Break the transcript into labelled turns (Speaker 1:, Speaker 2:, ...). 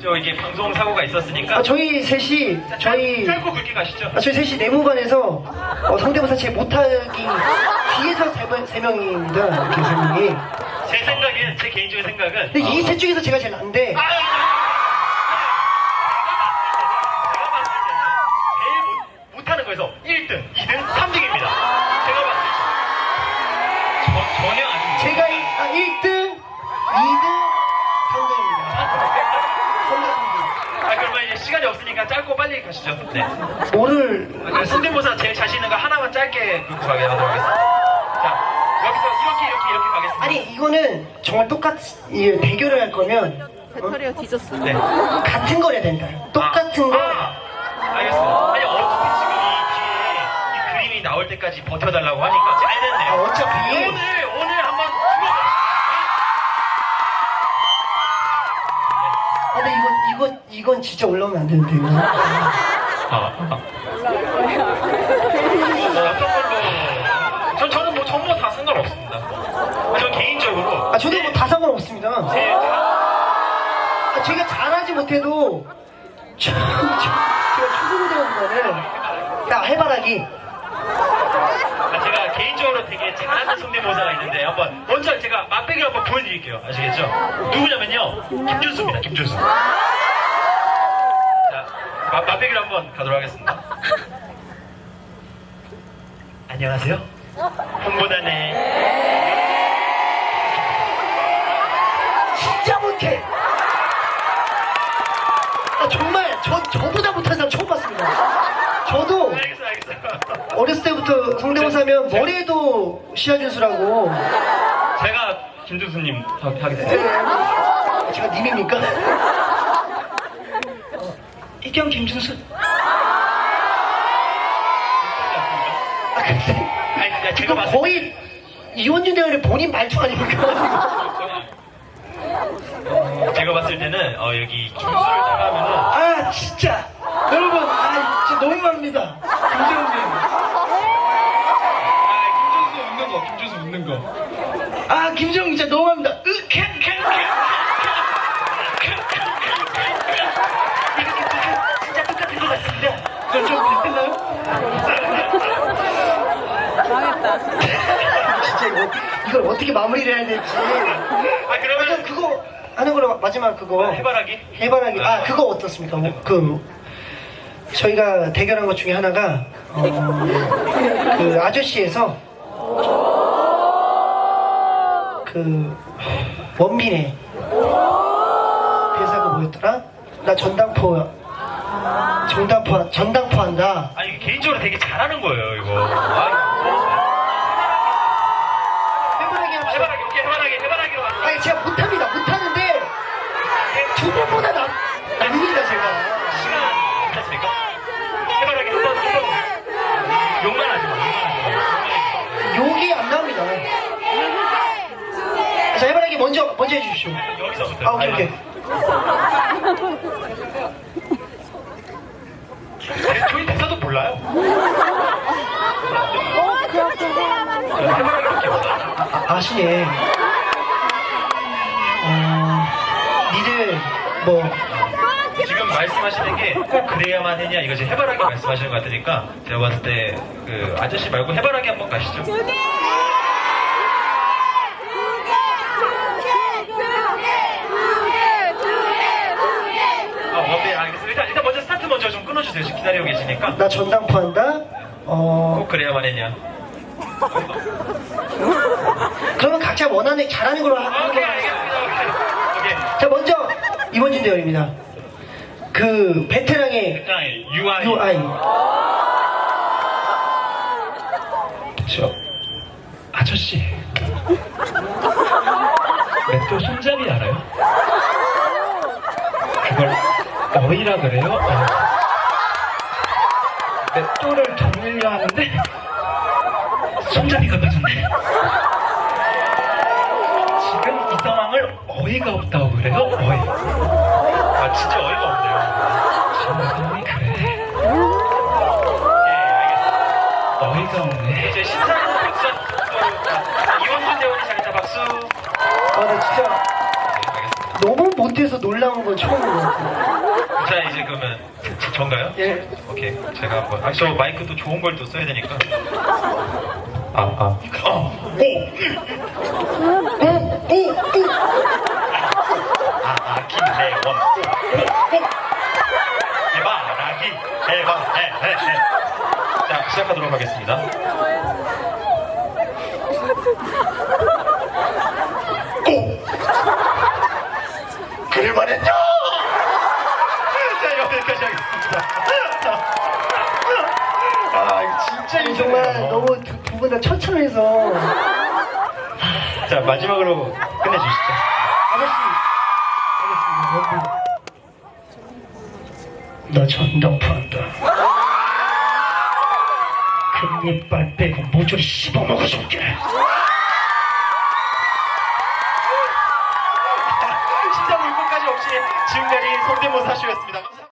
Speaker 1: 저 이게 방송 사고가 있었으니까.
Speaker 2: 저희 셋이
Speaker 1: 짧고 굵게 가시죠.
Speaker 2: 저희 셋이 내무반에서 성대모사 제 못하기 뒤에서 세 명입니다. 이렇게 세 명이.
Speaker 1: 제 생각엔 제 개인적인 생각은.
Speaker 2: 근데 이 셋 중에서 제가 제일 난데.
Speaker 1: 내가 봤을 때는 제일 못하는 거에서 1등, 2등, 3등입니다. 제가 봤을 때 전혀 아닙니다.
Speaker 2: 제가 1등, 2등, 3등입니다.
Speaker 1: 그러면 이제 시간이 없으니까 짧고 빨리 가시죠. 네.
Speaker 2: 뭐를
Speaker 1: 성대모사 제일 자신 있는 거 하나만 짧게 긁고 가게 하도록 하겠습니다. 자, 여기서 이렇게 가겠습니다.
Speaker 2: 아니 이거는 정말 이 대결을 할 거면
Speaker 3: 배터리가 뒤졌어.
Speaker 1: 네.
Speaker 2: 같은 걸 해야 된다. 똑같은 거.
Speaker 1: 알겠습니다. 아니 어차피 지금 이 뒤에 이 그림이 나올 때까지 버텨달라고 하니까 잘 됐네요.
Speaker 2: 어차피
Speaker 1: 오늘 한번
Speaker 2: 근데 이건 진짜 올라오면 안 되는데 이거.
Speaker 1: 어떤 걸로? 저는 뭐 전부 다 상관없습니다. 저 개인적으로.
Speaker 2: 저도 뭐 다 상관없습니다. 제가 잘하지 못해도 제가 추승되는 거는 나 해바라기.
Speaker 1: 제가 개인적으로 되게 잘하는 성대모사가 있는데 한번 먼저 제가 맛배기를 한번 보여드릴게요. 아시겠죠? 누구냐면요 김준수입니다. 김준수. 자, 맛배기를 한번 가도록 하겠습니다. 안녕하세요. 홍보단의
Speaker 2: 진짜 못해. 정말 저보다 못하는 사람 처음 봤습니다. 저도
Speaker 1: 알겠어.
Speaker 2: 어렸을 때부터 성대모사면 머리에도 시아준수라고.
Speaker 1: 제가 김준수님 하겠습니다.
Speaker 2: 제가 님입니까? 이경 김준수. 근데
Speaker 1: 아니, 제가
Speaker 2: 이거
Speaker 1: 봤을
Speaker 2: 거의 이원준 대원의 본인 말투 아닙니까?
Speaker 1: 제가 봤을 때는 여기 김준수를 따라하면은
Speaker 2: 진짜 여러분 진짜 너무합니다. 김재훈님.
Speaker 4: 김준수 웃는 거.
Speaker 2: 김재훈 진짜 너무합니다. 진짜 똑같은 것 같습니다. 좀 비슷했나요?
Speaker 3: 망했다.
Speaker 2: 진짜 이걸 어떻게 마무리를 해야 될지.
Speaker 1: 그러면
Speaker 2: 그거 하는 거로 마지막 그거
Speaker 1: 해바라기?
Speaker 2: 그거 어떻습니까? 저희가 대결한 것 중에 하나가 그 아저씨에서 그 원빈의 대사가 뭐였더라? 나 전당포 한다.
Speaker 1: 아니 개인적으로 되게 잘하는 거예요 이거.
Speaker 2: 해바라기 합시다.
Speaker 1: 해바라기 오케이 해바라기로 가자.
Speaker 2: 제가 못하는데 두 분보다 납니다 제가.
Speaker 1: 시간 괜찮습니까? 해바라기 한번 욕만 하지 마.
Speaker 2: 욕이 안 나옵니다. 자 해바라기 먼저 해주십시오.
Speaker 1: 여기서부터.
Speaker 2: 오케이.
Speaker 1: 저희 대사도 몰라요.
Speaker 2: 아시네. 니들 뭐
Speaker 1: 지금 말씀하시는 게 꼭 그래야만 했냐 이거 지금 해바라기 말씀하시는 것 같으니까 제가 봤을 때 그 아저씨 말고 해바라기 한번 가시죠. 네, 알겠습니다. 일단 먼저 스타트 먼저 좀 끊어주세요. 지금 기다리고 계시니까.
Speaker 2: 나 전당포 한다.
Speaker 1: 꼭 그래야만 했냐.
Speaker 2: 그러면 각자 원하는 잘하는 걸로 하는
Speaker 1: 오케이,
Speaker 2: 걸로
Speaker 1: 알겠습니다. 오케이.
Speaker 2: 자 먼저 이원준 대원입니다. 그 베테랑의
Speaker 1: UI. 저 아저씨 맷돌 손잡이 알아요? 그걸 어이라 그래요? 맷돌을 돌려 하는데 손잡이가 빠졌네. 지금 이 상황을 어이가 없다고 그래요? 어이. 진짜 어이가 없네요. 정상이 그래. 예, 알겠습니다. 어이가 없네. 이제 신사는 박수. 이원준 대원이 잘했다 박수.
Speaker 2: 나 진짜
Speaker 1: 네, 알겠습니다.
Speaker 2: 너무 못해서 놀라운 건 처음인 것 같아요.
Speaker 1: 자, 이제 그러면 전가요?
Speaker 2: 예.
Speaker 1: 오케이. 제가 한번. 저 마이크도 좋은 걸 또 써야 되니까. 김래원. 말하기. 대박. 자, 시작하도록 하겠습니다. 그를 말했냐? 자, 여기까지 하겠습니다. 아, 이거 진짜
Speaker 2: 아니, 정말
Speaker 1: 힘드네요.
Speaker 2: 너무 두 분 다 처참해서.
Speaker 1: 자, 마지막으로 끝내주시죠.
Speaker 2: 아저씨, 알겠습니다. 너 전당포한다. 금리빨 빼고 모조리 씹어먹어줄게.
Speaker 1: 심사불고까지 없이 지금까지 성대모사 쇼였습니다. 감사합니다.